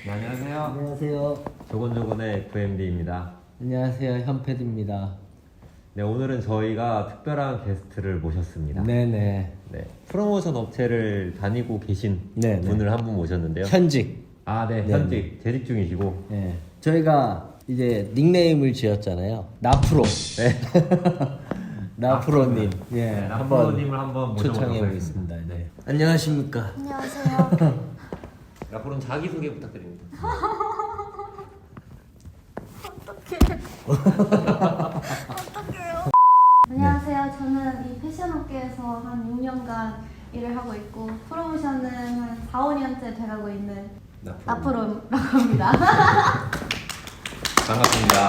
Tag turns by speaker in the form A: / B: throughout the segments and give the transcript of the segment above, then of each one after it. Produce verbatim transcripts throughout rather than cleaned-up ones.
A: 네, 안녕하세요.
B: 안녕하세요.
A: 조곤조곤의 에프엠디입니다.
B: 안녕하세요. 현패드입니다.
A: 네, 오늘은 저희가 특별한 게스트를 모셨습니다.
B: 네네.
A: 네, 프로모션 업체를 다니고 계신
B: 네네.
A: 분을 한 분 모셨는데요.
B: 현직.
A: 아, 네,
B: 네네.
A: 현직 재직 중이시고.
B: 네. 저희가 이제 닉네임을 지었잖아요. 나프로.
A: 네.
B: 나프로님. 예.
A: 네, 나프로님을 한번
B: 초청해
A: 모셔보도록
B: 보겠습니다.
A: 하겠습니다.
B: 네. 안녕하십니까.
C: 안녕하세요.
A: 나프로는 자기소개 부탁드립니다.
C: 어떡해. 어떡해요. 안녕하세요. 저는 이 패션업계에서 한 육 년간 일을 하고 있고 프로모션은 한 사, 오 년째 돼가고 있는
A: 나프로.
C: 나프로라고 합니다.
A: 반갑습니다.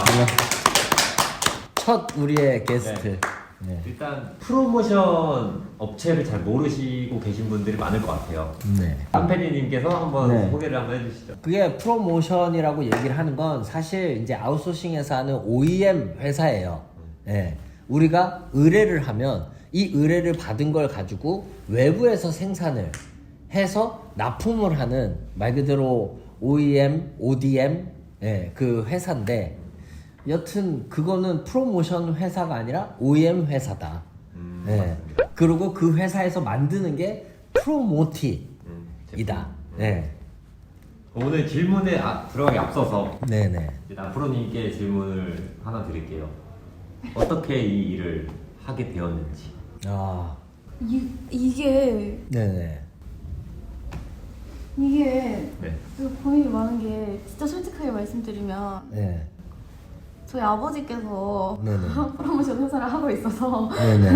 B: 첫 우리의 게스트.
A: 네.
B: 네.
A: 일단 프로모션 업체를 잘 모르시고 계신 분들이 많을 것 같아요.
B: 네.
A: 한패디님께서 한번
B: 네.
A: 소개를 한번 해주시죠.
B: 그게 프로모션이라고 얘기를 하는 건 사실 이제 아웃소싱에서 하는 오이엠 회사예요. 예. 우리가 의뢰를 하면 이 의뢰를 받은 걸 가지고 외부에서 생산을 해서 납품을 하는 말 그대로 오이엠, 오디엠 예, 그 회사인데 여튼 그거는 프로모션 회사가 아니라 오이엠 회사다.
A: 음,
B: 예.
A: 맞습니다.
B: 그리고 그 회사에서 만드는 게 프로모티이다.
A: 음, 제품.
B: 예.
A: 오늘 질문에 아, 들어가기 앞서서
B: 네네.
A: 이제 나프로님께 질문을 하나 드릴게요. 어떻게 이 일을 하게 되었는지.
B: 아,
C: 이, 이게
B: 네네.
C: 이게
A: 네.
C: 고민이 많은 게 진짜 솔직하게 말씀드리면
B: 네.
C: 저희 아버지께서
B: 네네.
C: 프로모션 회사를 하고 있어서
B: 네네.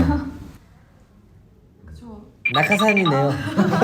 C: 그쵸.
B: 낙하산이네요.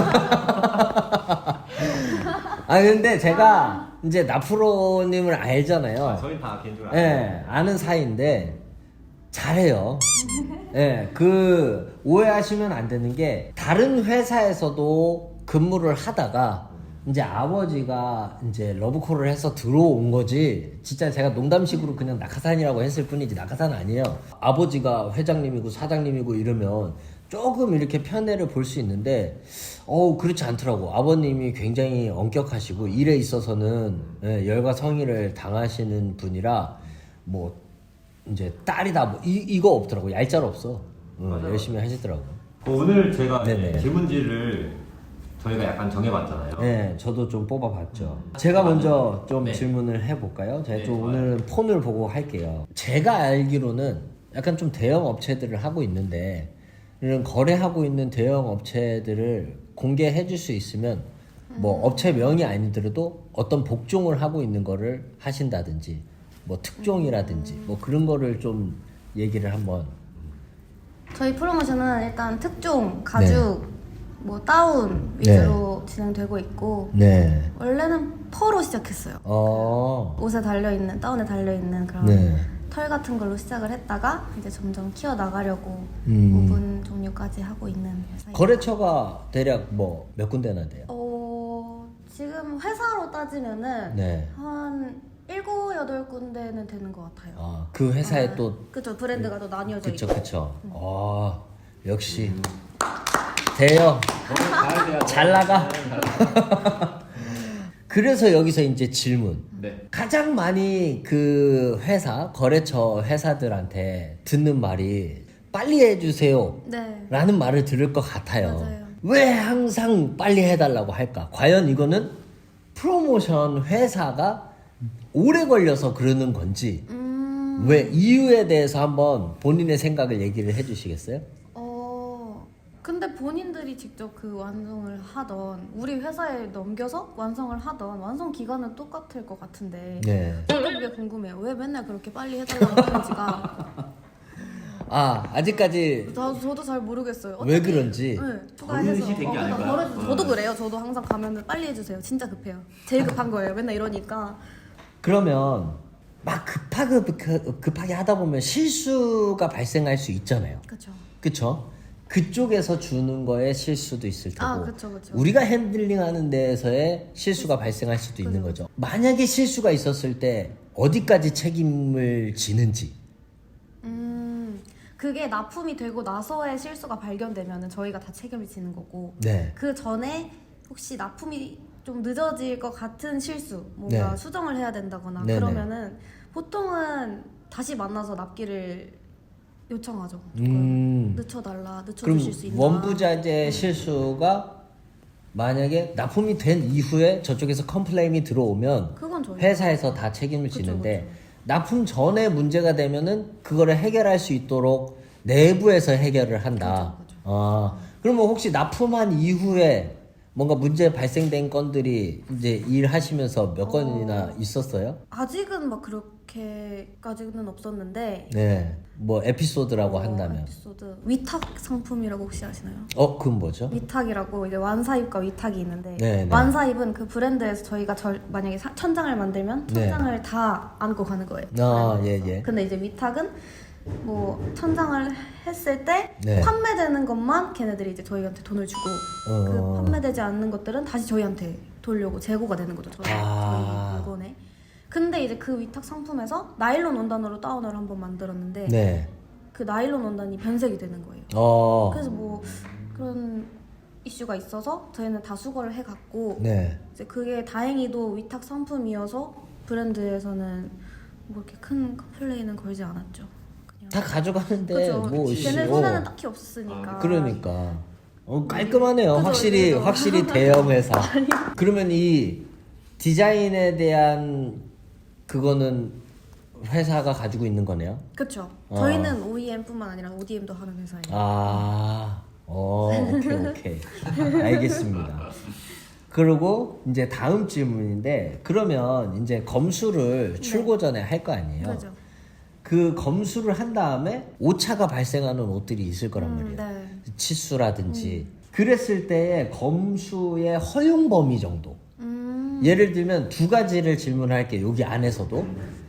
B: 아 근데 제가 이제 나프로님을 알잖아요.
A: 아, 저희 다 개인적으로
B: 예,
A: 알아요.
B: 아는 사이인데 잘해요. 예, 그 오해하시면 안 되는 게 다른 회사에서도 근무를 하다가 이제 아버지가 이제 러브콜을 해서 들어온 거지. 진짜 제가 농담식으로 그냥 낙하산이라고 했을 뿐이지 낙하산 아니에요. 아버지가 회장님이고 사장님이고 이러면 조금 이렇게 편애를 볼 수 있는데 어우 그렇지 않더라고. 아버님이 굉장히 엄격하시고 일에 있어서는 예, 열과 성의를 당하시는 분이라 뭐 이제 딸이다 뭐 이, 이거 없더라고. 얄짤 없어. 응,
A: 맞아요.
B: 열심히 하시더라고.
A: 그 오늘 제가
B: 네네.
A: 이제 질문지를 저희가 약간 정해봤잖아요.
B: 네, 저도 좀 뽑아봤죠. 제가 먼저 좀
A: 네.
B: 질문을 해볼까요? 제가
A: 네,
B: 좀
A: 좋아요.
B: 오늘은 폰을 보고 할게요. 제가 알기로는 약간 좀 대형 업체들을 하고 있는데 이런 거래하고 있는 대형 업체들을 공개해 줄 수 있으면 뭐 업체 명이 아니더라도 어떤 복종을 하고 있는 거를 하신다든지 뭐 특종이라든지 뭐 그런 거를 좀 얘기를 한번.
C: 저희 프로모션은 일단 특종, 가죽, 뭐 다운
B: 네.
C: 위주로 진행되고 있고
B: 네.
C: 원래는 펄로 시작했어요.
B: 어.
C: 옷에 달려있는, 다운에 달려있는 그런
B: 네.
C: 털 같은 걸로 시작을 했다가 이제 점점 키워나가려고
B: 음.
C: 부분 종류까지 하고 있는 회사입니다.
B: 거래처가 대략 뭐 몇 군데나 돼요?
C: 어, 지금 회사로 따지면은
B: 네.
C: 한 일곱, 여덟 군데는 되는 것 같아요.
B: 아, 그 회사에
C: 아,
B: 또
C: 그쵸, 브랜드가 또 나뉘어져
B: 그쵸
C: 있고.
B: 그쵸. 아 역시 대여
A: 잘해야 돼요.
B: 잘 나가. 그래서 여기서 이제 질문.
A: 네.
B: 가장 많이 그 회사 거래처 회사들한테 듣는 말이 빨리 해주세요
C: 네.
B: 라는 말을 들을 것 같아요.
C: 맞아요.
B: 왜 항상 빨리 해달라고 할까? 과연 이거는 프로모션 회사가 오래 걸려서 그러는 건지
C: 음,
B: 왜 이유에 대해서 한번 본인의 생각을 얘기를 해주시겠어요?
C: 어, 근데 본인들이 직접 그 완성을 하던 우리 회사에 넘겨서 완성을 하던 완성 기간은 똑같을 것 같은데
B: 네.
C: 저도 그게 궁금해요. 왜 맨날 그렇게 빨리 해달라고 하는지가
B: 아 아직까지
C: 저, 저도 잘 모르겠어요.
B: 왜
C: 어차피-
B: 그런지.
C: 네, 추가해서.
A: 버릇이 된게
C: 어, 그러니까
A: 아닐까요?
C: 버릇-
A: 어.
C: 저도 그래요. 저도 항상 가면은 빨리 해주세요. 진짜 급해요. 제일 급한 거예요. 맨날 이러니까.
B: 그러면 막 급하게 급하게 하다 보면 실수가 발생할 수 있잖아요.
C: 그렇죠.
B: 그쵸? 그쪽에서 주는 거에 실수도 있을 테고
C: 아, 그쵸, 그쵸.
B: 우리가 핸들링하는 데에서의 실수가 발생할 수도 있는
C: 그죠.
B: 거죠. 만약에 실수가 있었을 때 어디까지 책임을 지는지.
C: 음, 그게 납품이 되고 나서의 실수가 발견되면은 저희가 다 책임을 지는 거고
B: 네.
C: 그 전에 혹시 납품이 좀 늦어질 것 같은 실수, 뭔가
B: 네.
C: 수정을 해야 된다거나
B: 네네.
C: 그러면은 보통은 다시 만나서 납기를 요청하죠.
B: 음.
C: 늦춰달라,
B: 그럼
C: 늦춰주실 수 있나.
B: 원부자재 실수가 만약에 납품이 된 이후에 저쪽에서 컴플레인이 들어오면
C: 그건 저희
B: 회사에서 다 책임을
C: 그쵸,
B: 지는데 납품 전에 문제가 되면은 그거를 해결할 수 있도록 내부에서 해결을 한다.
C: 그죠, 그죠.
B: 아, 그러면 혹시 납품한 이후에 뭔가 문제 발생된 건들이 이제 일하시면서 몇
C: 어.
B: 건이나 있었어요?
C: 아직은 막 그렇게까지는 없었는데
B: 네. 뭐 에피소드라고
C: 어,
B: 한다면.
C: 에피소드 위탁 상품이라고 혹시 아시나요?
B: 어, 그건 뭐죠?
C: 위탁이라고 이제 완사입과 위탁이 있는데
B: 네, 네.
C: 완사입은 그 브랜드에서 저희가 절, 만약에 사- 천장을 만들면
B: 네.
C: 천장을 다 안고 가는 거예요.
B: 아, 예,
C: 브랜드에서.
B: 예.
C: 근데 이제 위탁은 뭐 천장을 했을 때
B: 네.
C: 판매되는 것만 걔네들이 이제 저희한테 돈을 주고
B: 어.
C: 그 판매되지 않는 것들은 다시 저희한테 돌려고 재고가 되는 거죠. 저희,
B: 아.
C: 저희 물건에. 근데 이제 그 위탁 상품에서 나일론 원단으로 다운을 한번 만들었는데
B: 네.
C: 그 나일론 원단이 변색이 되는 거예요.
B: 어.
C: 그래서 뭐 그런 이슈가 있어서 저희는 다 수거를 해갔고
B: 네.
C: 이제 그게 다행히도 위탁 상품이어서 브랜드에서는 뭐 이렇게 큰 컴플레인은 걸지 않았죠. 그냥
B: 다 가져가는데
C: 그죠.
B: 뭐
C: 걔네
B: 씨,
C: 손에는
B: 어.
C: 딱히 없으니까.
B: 그러니까 어, 깔끔하네요.
C: 그죠,
B: 확실히
C: 그죠.
B: 확실히 대형 회사. 그러면 이 디자인에 대한 그거는 회사가 가지고 있는 거네요.
C: 그렇죠.
B: 어.
C: 저희는 오이엠뿐만 아니라 오디엠도 하는 회사예요.
B: 아, 어, 오케이 오케이, 알겠습니다. 그리고 이제 다음 질문인데 그러면 이제 검수를 출고 전에 할 거 아니에요?
C: 그죠.
B: 그 검수를 한 다음에 오차가 발생하는 옷들이 있을 거란
C: 음,
B: 말이에요.
C: 네.
B: 치수라든지. 그랬을 때 검수의 허용 범위 정도.
C: 음,
B: 예를 들면 두 가지를 질문할게요. 여기 안에서도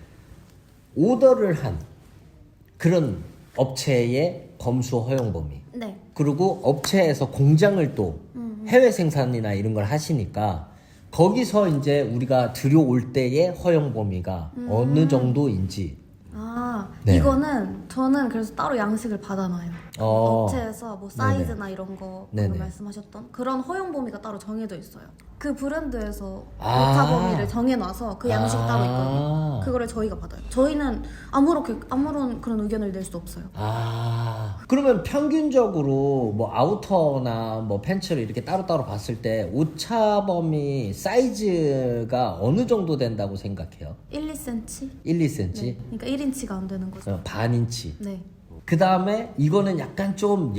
B: 오더를 한 그런 업체의 검수 허용 범위.
C: 네.
B: 그리고 업체에서 공장을 또 해외 생산이나 이런 걸 하시니까 거기서 이제 우리가 들여올 때의 허용 범위가 어느 정도인지.
C: 아,
B: 네.
C: 이거는 저는 그래서 따로 양식을 받아놔요.
B: 어.
C: 업체에서 뭐 사이즈나 이런 거 방금
B: 네네.
C: 말씀하셨던 그런 허용 범위가 따로 정해져 있어요. 그 브랜드에서
B: 아.
C: 오차 범위를 정해놔서 그 양식
B: 아.
C: 따로 있거든요. 그거를 저희가 받아요. 저희는 아무렇게 아무런 그런 의견을 낼 수 없어요.
B: 아, 그러면 평균적으로 뭐 아우터나 뭐 팬츠를 이렇게 따로따로 봤을 때 오차 범위 사이즈가 어느 정도 된다고 생각해요?
C: 일, 이 센티미터?
B: 일, 이 센티미터?
C: 네. 그러니까 일 인치가 안 되는 거죠.
B: 어, 반 인치.
C: 네.
B: 그 다음에 이거는 약간 좀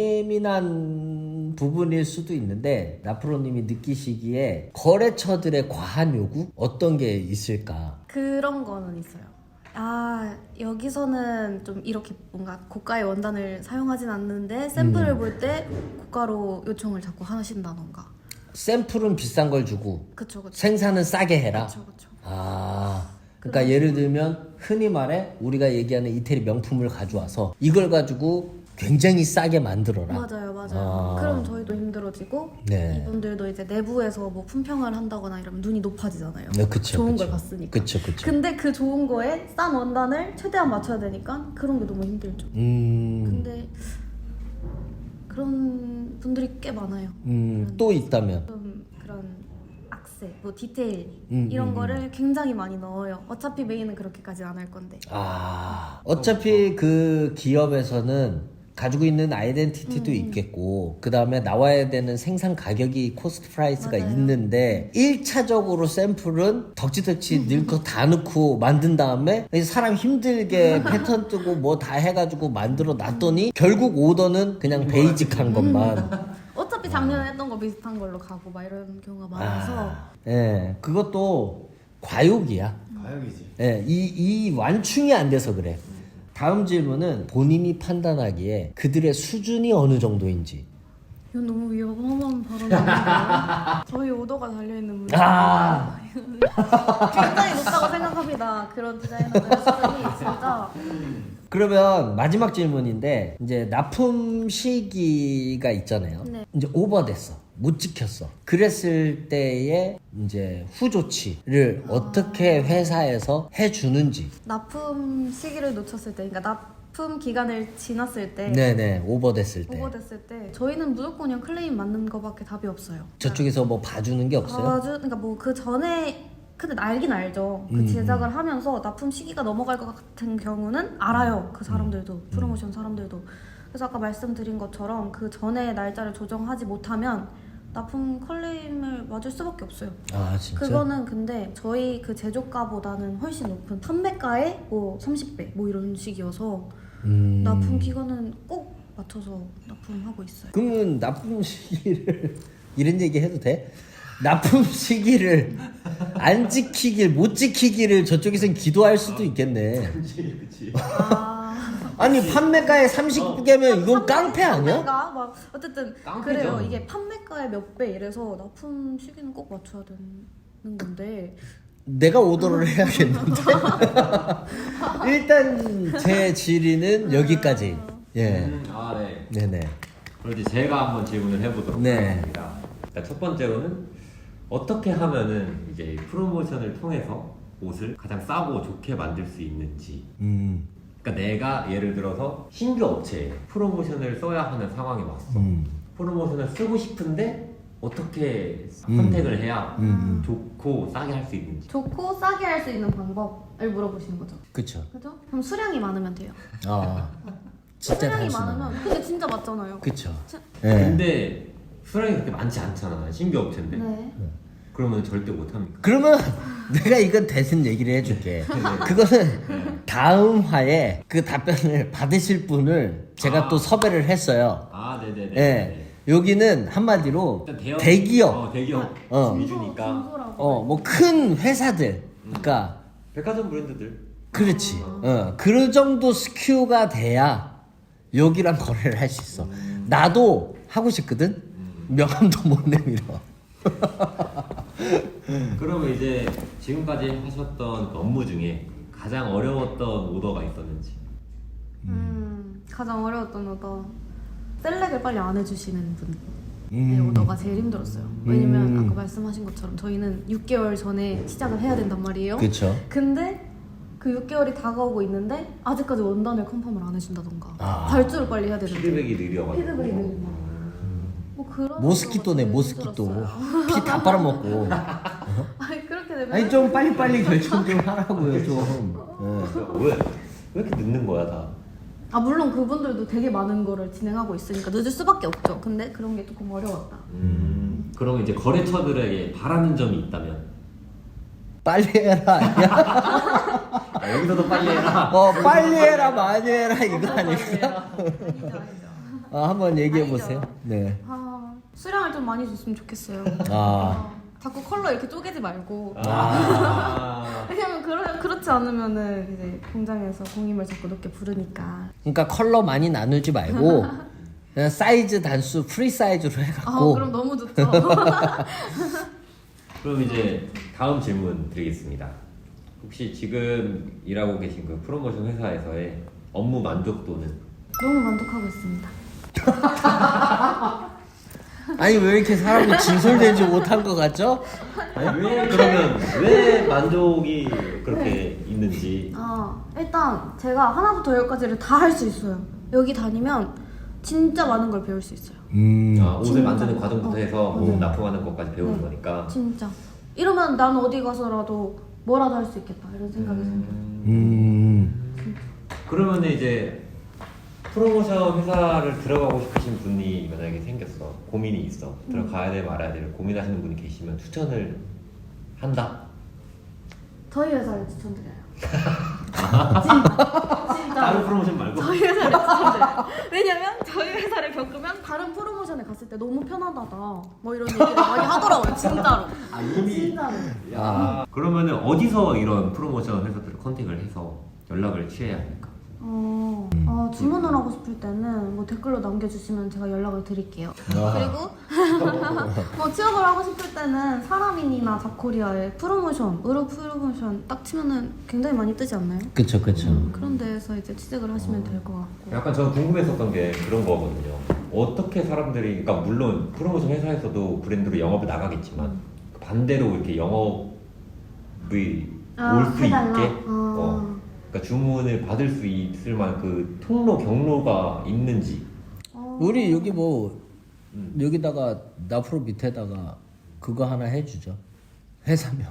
B: 예민한 부분일 수도 있는데 나프로님이 느끼시기에 거래처들의 과한 요구 어떤 게 있을까?
C: 그런 거는 있어요. 아, 여기서는 좀 이렇게 뭔가 고가의 원단을 사용하진 않는데 샘플을
B: 음.
C: 볼 때 고가로 요청을 자꾸 하신다던가.
B: 샘플은 비싼 걸 주고
C: 그쵸, 그쵸.
B: 생산은 싸게 해라.
C: 그쵸, 그쵸.
B: 아, 그러니까 예를 들면 흔히 말해 우리가 얘기하는 이태리 명품을 가져와서 이걸 가지고 굉장히 싸게 만들어라.
C: 맞아요, 맞아요.
B: 아.
C: 그럼 저희도 힘들어지고
B: 네.
C: 이분들도 이제 내부에서 뭐 품평을 한다거나 이러면 눈이 높아지잖아요.
B: 네, 그쵸,
C: 좋은
B: 그쵸.
C: 걸 봤으니까.
B: 그쵸, 그쵸.
C: 근데 그 좋은 거에 싼 원단을 최대한 맞춰야 되니까 그런 게 너무 힘들죠.
B: 음,
C: 근데 그런 분들이 꽤 많아요.
B: 음, 또 있다면.
C: 좀 그런 악세, 뭐 디테일
B: 음,
C: 이런
B: 음,
C: 거를 굉장히 많이 넣어요. 어차피 메인은 그렇게까지 안 할 건데.
B: 아, 어차피 그 기업에서는 가지고 있는 아이덴티티도
C: 음.
B: 있겠고 그 다음에 나와야 되는 생산 가격이 코스트 프라이스가
C: 맞아요.
B: 있는데 일 차적으로 샘플은 덕지덕지 넣고 다 넣고 만든 다음에 사람 힘들게 패턴 뜨고 뭐 다 해가지고 만들어 놨더니 결국 오더는 그냥 베이직한 것만.
C: 어차피 작년에 했던 거 비슷한 걸로 가고 막 이런 경우가 많아서
B: 아, 예, 그것도 과욕이야.
A: 가역이지.
B: 예, 이, 이 완충이 안 돼서 그래. 다음 질문은 본인이 판단하기에 그들의 수준이 어느 정도인지.
C: 이건 너무 위험한 발언이에요. 저희 오더가 달려있는 문제
B: 아,
C: 굉장히 높다고 생각합니다. 그런 디자이너들의 수준이 진짜
B: 그러면 마지막 질문인데 이제 납품 시기가 있잖아요.
C: 네.
B: 이제 오버됐어. 못 지켰어. 그랬을 때의 이제 후조치를 어떻게 회사에서 해주는지.
C: 납품 시기를 놓쳤을 때, 그러니까 납품 기간을 지났을 때
B: 네네 오버됐을 때
C: 오버됐을 때 저희는 무조건 그냥 클레임 맞는 거밖에 답이 없어요.
B: 저쪽에서 뭐 봐주는 게 없어요?
C: 아주 그러니까 뭐 그 전에 근데 알긴 알죠. 그
B: 음,
C: 제작을 하면서 납품 시기가 넘어갈 것 같은 경우는 알아요. 그 사람들도 프로모션 사람들도. 그래서 아까 말씀드린 것처럼 그 전에 날짜를 조정하지 못하면 납품 클레임을 맞을 수밖에 없어요.
B: 아 진짜?
C: 그거는 근데 저희 그 제조가보다는 훨씬 높은 판매가의 뭐 삼십 배 뭐 이런 식이어서
B: 음...
C: 납품 기간은 꼭 맞춰서 납품하고 있어요.
B: 그러면 납품 시기를 이런 얘기 해도 돼? 납품 시기를 안 지키길 못 지키기를 저쪽에선 기도할 수도 있겠네.
A: 그치 그치.
C: 아...
B: 아니 판매가에 삼십 개면 이건 깡패 아니야?
C: 판매가 막 어쨌든
A: 깡패죠.
C: 그래요. 이게 판매가의 몇 배 이래서 납품 시기는 꼭 맞춰야 되는 건데
B: 내가 오더를 해야겠는데. 일단 제 질의는 여기까지. 예.
A: 음, 아 네.
B: 네네.
A: 그럼 이제 제가 한번 질문을 해보도록
B: 네.
A: 하겠습니다. 일단 첫 번째로는 어떻게 하면은 이제 프로모션을 통해서 옷을 가장 싸고 좋게 만들 수 있는지.
B: 음.
A: 그러니까 내가 예를 들어서 신규 업체에 프로모션을 써야 하는 상황에 왔어.
B: 음.
A: 프로모션을 쓰고 싶은데 어떻게
B: 음.
A: 선택을 해야
B: 음.
A: 좋고 싸게 할 수 있는지.
C: 좋고 싸게 할 수 있는 방법을 물어보시는 거죠.
B: 그쵸.
C: 그죠? 그럼 수량이 많으면 돼요.
B: 아. 진짜
C: 수량이
B: 단순하네.
C: 많으면 근데 진짜 맞잖아요.
B: 그쵸.
C: 자-
B: 예.
A: 근데 수량이 그렇게 많지 않잖아. 신규 업체인데.
C: 네.
A: 그러면 절대 못합니까?
B: 그러면 내가 이건 대신 얘기를 해줄게. 그거는 다음 화에 그 답변을 받으실 분을 제가
A: 아.
B: 또 섭외를 했어요.
A: 아 네네네.
B: 예. 여기는 한마디로
A: 일단 대형,
B: 대기업,
A: 어, 대기업
B: 어.
A: 위주니까.
C: 중소라고.
B: 어, 뭐 큰 회사들, 그러니까
A: 백화점 브랜드들.
B: 그렇지. 어, 그 정도 스큐가 돼야 여기랑 거래를 할 수 있어. 나도 하고 싶거든. 명함도 못 내밀어.
A: 그러면 이제 지금까지 하셨던 그 업무 중에 가장 어려웠던 오더가 있었는지.
C: 음, 가장 어려웠던 오더 셀렉을 빨리 안 해주시는 분의
B: 음.
C: 오더가 제일 힘들었어요. 왜냐면
B: 음.
C: 아까 말씀하신 것처럼 저희는 육 개월 전에 시작을 해야 된단 말이에요.
B: 그렇죠.
C: 근데 그 육 개월이 다가오고 있는데 아직까지 원단을 컨펌을 안 해준다던가
B: 아.
C: 발주를 빨리 해야 되는데
A: 피드백이 느려가지고.
C: 피드백이 느리고 뭐 그런
B: 모스키토네
C: 오더가
B: 모스키토.
C: 제일 힘들었어요.
B: 피 다 빨아먹고.
C: 아니 그렇게 되면
B: 아니 좀 빨리빨리 결정 좀 하라고요 좀. 예.
A: 왜? 왜 이렇게 늦는 거야 다?
C: 아 물론 그분들도 되게 많은 거를 진행하고 있으니까 늦을 수밖에 없죠. 근데 그런 게 조금 어려웠다.
A: 음. 그러면 이제 거래처들에게 바라는 점이 있다면.
B: 빨리 해라 아니야?
A: 아, 여기서도 빨리 해라.
B: 어 빨리 해라 많이 해라 이거 아닐까?
C: 아니죠 아니죠.
B: 아, 한번 얘기해
C: 아니죠.
B: 보세요. 네.
C: 아 수량을 좀 많이 줬으면 좋겠어요.
B: 아.
C: 어, 자꾸 컬러 이렇게 쪼개지 말고.
A: 아.
C: 왜냐면 그러, 그렇지 않으면은 이제 공장에서 공임을 자꾸 높게 부르니까.
B: 그러니까 컬러 많이 나누지 말고 그냥 사이즈 단수 프리 사이즈로
C: 아
B: 해갖고.
C: 그럼 너무 좋죠.
A: 그럼 이제 다음 질문 드리겠습니다. 혹시 지금 일하고 계신 그 프로모션 회사에서의 업무 만족도는?
C: 너무 만족하고 있습니다.
B: 아니 왜 이렇게 사람이 진솔되지 못한 것 같죠?
A: 왜 그러면 왜 만족이 그렇게 있는지.
C: 아 일단 제가 하나부터 열까지를 다 할 수 있어요. 여기 다니면 진짜 많은 걸 배울 수 있어요.
B: 음.
A: 아, 옷을
C: 진짜.
A: 만드는 과정부터
C: 어.
A: 해서
C: 어,
A: 옷
C: 네.
A: 납품하는 것까지 배우는
C: 네.
A: 거니까.
C: 진짜. 이러면 난 어디 가서라도 뭐라도 할 수 있겠다 이런 생각이 들어요.
B: 음.
A: 그러면 이제 프로모션 회사를 들어가고 싶으신 분이 만약에 생겼어, 고민이 있어, 들어가야 돼 말아야 돼 고민하시는 분이 계시면 추천을 한다?
C: 저희 회사를 추천드려요. 진,
A: 다른
C: 진짜.
A: 프로모션 말고?
C: 저희 회사를 추천드려요. 왜냐면 저희 회사를 겪으면 다른 프로모션에 갔을 때 너무 편하다다 뭐 이런 얘기를 많이 하더라고요. 진짜로.
A: 아 이미?
C: 진짜로.
A: 야. 그러면은 어디서 이런 프로모션 회사들을 컨택을 해서 연락을 취해야 합니까?
C: 어, 어, 주문을 하고 싶을 때는 뭐 댓글로 남겨주시면 제가 연락을 드릴게요.
B: 아.
C: 그리고 뭐 취업을 하고 싶을 때는 사람인이나 잡코리아의 프로모션, 의료 프로모션 딱 치면은 굉장히 많이 뜨지 않나요?
B: 그쵸 그쵸.
C: 음, 그런 데에서 이제 취직을 하시면 될 것 같고.
A: 약간 저는 궁금했었던 게 그런 거거든요. 어떻게 사람들이, 그러니까 물론 프로모션 회사에서도 브랜드로 영업을 나가겠지만 반대로 이렇게 영업이
C: 아,
A: 올 수
C: 해달라?
A: 있게
C: 아.
A: 어, 그러니까 주문을 받을 수 있을 만한 그 통로 경로가 있는지.
C: 어.
B: 우리 여기 뭐
A: 음.
B: 여기다가 나프로 밑에다가 그거 하나 해주죠. 회사명.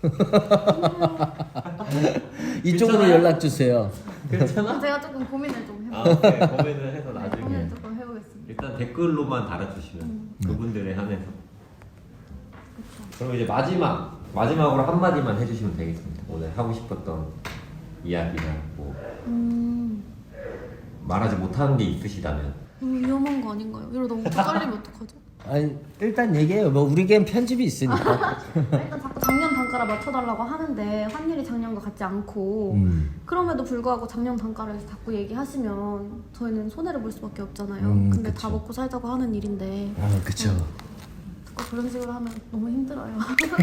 B: 이쪽으로
A: 괜찮아요?
B: 연락 주세요.
A: 괜찮아?
C: 제가 조금 고민을 좀
A: 아,
C: 해볼게요.
A: 오케이. 고민을 해서
C: 네,
A: 나중에
C: 고민을 조금 해보겠습니다.
A: 일단 댓글로만 달아주시면
C: 음.
A: 그분들에 한해서.
C: 그쵸.
A: 그럼 이제 마지막 마지막으로 한 마디만 해주시면 되겠습니다. 오늘 하고 싶었던 이야기나 뭐
C: 음,
A: 말하지 못하는 게 있으시다면.
C: 너무 위험한 거 아닌가요? 이러다 너무 잘리면 어떡하죠?
B: 아니 일단 얘기해요. 뭐 우리겐 편집이 있으니까.
C: 일단 자꾸 작년 단가를 맞춰달라고 하는데 환율이 작년과 같지 않고
B: 음.
C: 그럼에도 불구하고 작년 단가를 자꾸 얘기하시면 저희는 손해를 볼 수밖에 없잖아요.
B: 음,
C: 근데
B: 그쵸.
C: 다 먹고 살자고 하는 일인데
B: 아 그쵸.
C: 자꾸 그런 식으로 하면 너무 힘들어요.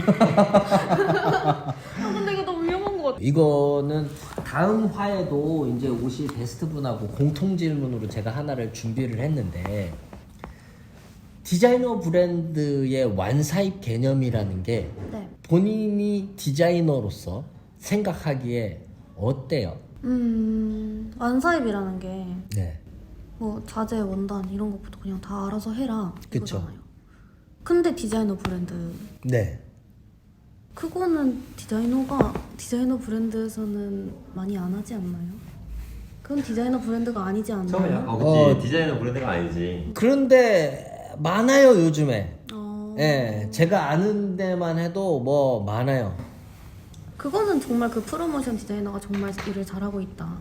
C: 아, 근데 이거 너무 위험한 것 같아.
B: 이거는 다음 화에도 이제 옷이 베스트 분하고 공통 질문으로 제가 하나를 준비를 했는데 디자이너 브랜드의 완사입 개념이라는 게
C: 네.
B: 본인이 디자이너로서 생각하기에 어때요?
C: 음, 완사입이라는 게
B: 네.
C: 뭐 자재, 원단 이런 것부터 그냥 다 알아서 해라
B: 그쵸.
C: 이거잖아요. 근데 디자이너 브랜드
B: 네.
C: 그거는 디자이너가 디자이너 브랜드에서는 많이 안 하지 않나요? 그건 디자이너 브랜드가 아니지 않나요?
A: 처음에 약간 그치
B: 어.
A: 디자이너 브랜드가 아니지.
B: 그런데 많아요 요즘에.
C: 어...
B: 예, 제가 아는 데만 해도 뭐 많아요.
C: 그거는 정말 그 프로모션 디자이너가 정말 일을 잘하고 있다.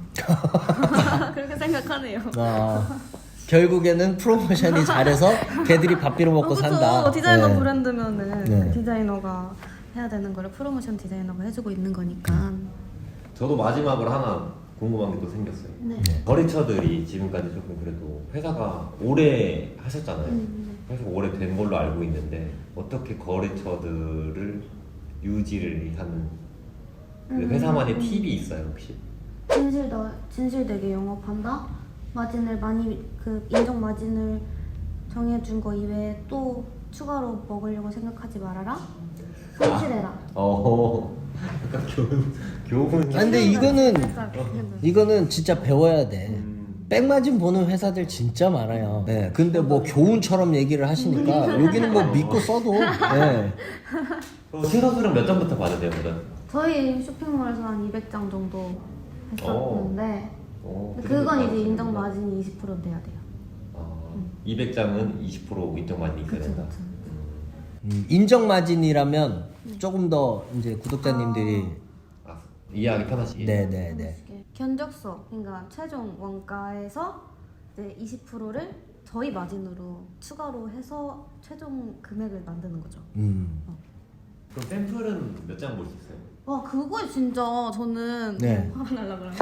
C: 그렇게 생각하네요.
B: 아, 결국에는 프로모션이 잘해서 걔들이 밥 빌어 먹고
C: 어, 그쵸.
B: 산다.
C: 디자이너
B: 네.
C: 브랜드면은
B: 네.
C: 그 디자이너가 해야 되는 거를 프로모션 디자이너가 해주고 있는 거니까.
A: 저도 마지막으로 하나 궁금한 게 또 생겼어요.
C: 네.
A: 거래처들이 지금까지 조금 그래도 회사가 오래 하셨잖아요.
C: 음.
A: 그래서 오래 된 걸로 알고 있는데 어떻게 거래처들을 유지를 하는 그
C: 음.
A: 회사만의 팁이 있어요 혹시?
C: 진실더 진실되게 영업한다. 마진을 많이 그 인정 마진을 정해준 거 이외에 또 추가로 먹으려고 생각하지 말아라. 성실해라.
A: 어, 약간 교훈 교훈.
B: 아, 근데 이거는
C: 살짝 비슷해요.
B: 이거는 진짜 배워야 돼.
A: 음.
B: 백마진 보는 회사들 진짜 많아요. 네, 근데 뭐 교훈처럼 얘기를 하시니까 여기는 뭐 믿고 써도. 네.
A: 그럼 신선수령 몇 장부터 받으세요 그럼?
C: 저희 쇼핑몰에서 한 이백 장 정도 했었는데
A: 어,
C: 근데
A: 그 정도
C: 그건 이제
A: 받으시는구나.
C: 인정 마진이 이십 퍼센트 돼야 돼요.
A: 아, 이백 장은 이십 퍼센트 인정 마진이 있어야
C: 그쵸,
A: 된다.
C: 그쵸.
B: 음, 인정 마진이라면 조금 더 이제 구독자님들이
A: 아, 이해하기 편하시게.
B: 네, 네, 네.
C: 견적서, 그러니까 최종 원가에서 이제 이십 퍼센트를 저희 마진으로 추가로 해서 최종 금액을 만드는 거죠.
B: 음.
A: 그럼 샘플은 몇 장 볼 수 있어요?
C: 와 그거에 진짜 저는
B: 네.
C: 화가 날라 그래요.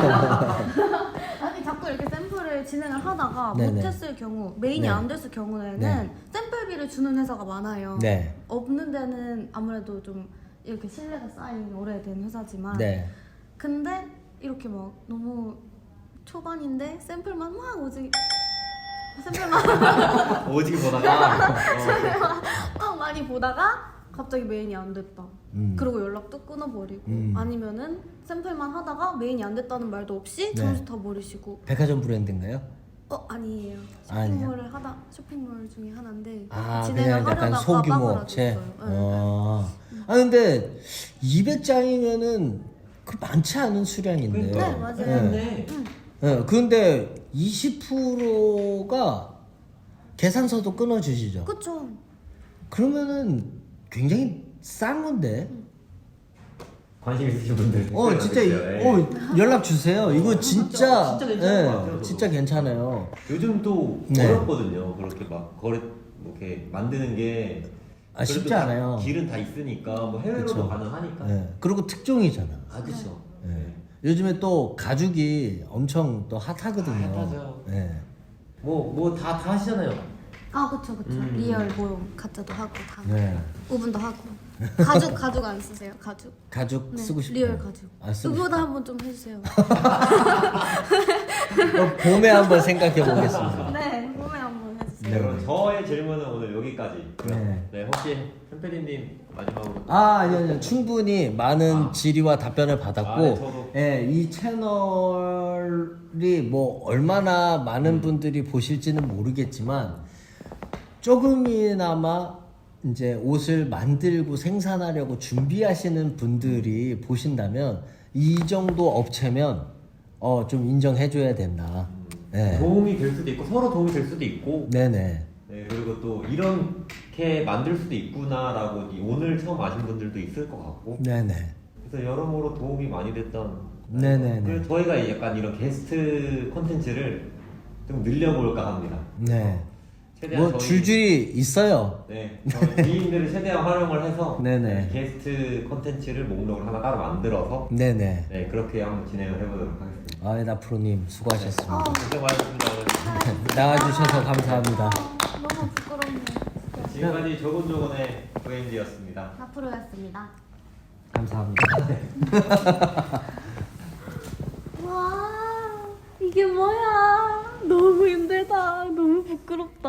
C: 아니 자꾸 이렇게 샘플을 진행을 하다가
B: 네네.
C: 못했을 경우 메인이
B: 네.
C: 안 됐을 경우에는
B: 네.
C: 샘플비를 주는 회사가 많아요.
B: 네.
C: 없는 데는 아무래도 좀 이렇게 신뢰가 쌓인 오래된 회사지만
B: 네.
C: 근데 이렇게 막 너무 초반인데 샘플만 막 오지 샘플만
A: 오지게 보다가 어.
C: 막 많이 보다가 갑자기 메인이 안 됐다.
B: 음.
C: 그리고 연락도 끊어버리고
B: 음.
C: 아니면은 샘플만 하다가 메인이 안 됐다는 말도 없이
B: 네.
C: 점수 다 버리시고
B: 백화점 브랜드인가요?
C: 어 아니에요.
B: 아니에요.
C: 쇼핑몰을 하다 쇼핑몰 중에 하나인데
B: 아,
C: 진행을
B: 그냥 약간
C: 하려다가
B: 소규모
C: 빠그라졌어요.
B: 업체.
C: 네.
B: 어. 아 근데 이백 장이면은 그 많지 않은 수량인데.
C: 네, 맞아요.
A: 네.
B: 네, 근데 이십 퍼센트가 계산서도 끊어주시죠.
C: 그쵸.
B: 그러면은 굉장히 싼 건데.
A: 관심 있으신 분들
B: 어
A: 댓글
B: 진짜 이-
A: 남겨주세요. 예.
B: 어 연락 주세요. 이거 진짜
A: 진짜 괜찮은 것 같아요,
B: 예,
A: 저도.
B: 진짜 괜찮아요.
A: 요즘 또
B: 네.
A: 어렵거든요. 그렇게 막 거래 뭐 이렇게 만드는 게
B: 아, 쉽지
A: 그래도 다
B: 않아요.
A: 길은 다 있으니까 뭐 해외로도
B: 그쵸.
A: 가능하니까.
B: 예. 그리고 특종이잖아.
A: 아 그렇죠.
B: 예. 요즘에 또 가죽이 엄청 또 핫하거든요.
A: 아, 핫하죠.
B: 예.
A: 뭐뭐 다 다 하시잖아요.
C: 아 그쵸 그쵸.
A: 음.
C: 리얼 뭐 가짜도 하고 다.
B: 네.
C: 오븐도 하고. 가죽 가죽 안 쓰세요? 가죽?
B: 가죽
C: 네,
B: 쓰고 싶어요.
C: 리얼 가죽.
B: 아, 쓰고
C: 그거도
B: 싶어요.
C: 한번 좀 해주세요.
B: 어, 봄에 한번 생각해 보겠습니다.
C: 네, 봄에 한번 해주세요.
B: 네.
A: 그럼 저의 질문은 오늘 여기까지.
B: 네.
A: 네, 혹시 햄페디님 마지막으로.
B: 아, 아니요, 아니요. 충분히 많은
A: 아.
B: 질의와 답변을 받았고,
A: 아, 네, 저도.
B: 예, 이 채널이 뭐 얼마나 많은
A: 음.
B: 분들이 보실지는 모르겠지만, 조금이나마 이제 옷을 만들고 생산하려고 준비하시는 분들이 보신다면, 이 정도 업체면, 어, 좀 인정해줘야 된다. 네.
A: 도움이 될 수도 있고 서로 도움이 될 수도 있고.
B: 네네.
A: 네, 그리고 또 이렇게 만들 수도 있구나라고 이 오늘 처음 아신 분들도 있을 것 같고.
B: 네네.
A: 그래서 여러모로 도움이 많이 됐던.
B: 네네네.
A: 그래서 저희가 약간 이런 게스트 콘텐츠를 좀 늘려볼까 합니다.
B: 네.
A: 최대한
B: 뭐
A: 저희-
B: 줄줄이 있어요.
A: 네, 저희 지인들을 최대한 활용을 해서
B: 네네.
A: 게스트 콘텐츠를 목록을 하나 따로 만들어서
B: 네네.
A: 네 그렇게 한번 진행을 해보도록 하겠습니다.
B: 아이나 프로님 수고하셨습니다.
C: 아,
A: 고생 많으셨습니다. 오늘.
B: 나와주셔서 감사합니다.
C: 아, 너무 부끄럽네. 진짜.
A: 지금까지 조곤조곤의 브랜드였습니다.
C: 앞으로였습니다.
B: 감사합니다.
C: 와, 이게 뭐야? 너무 힘들다. 너무 부끄럽다.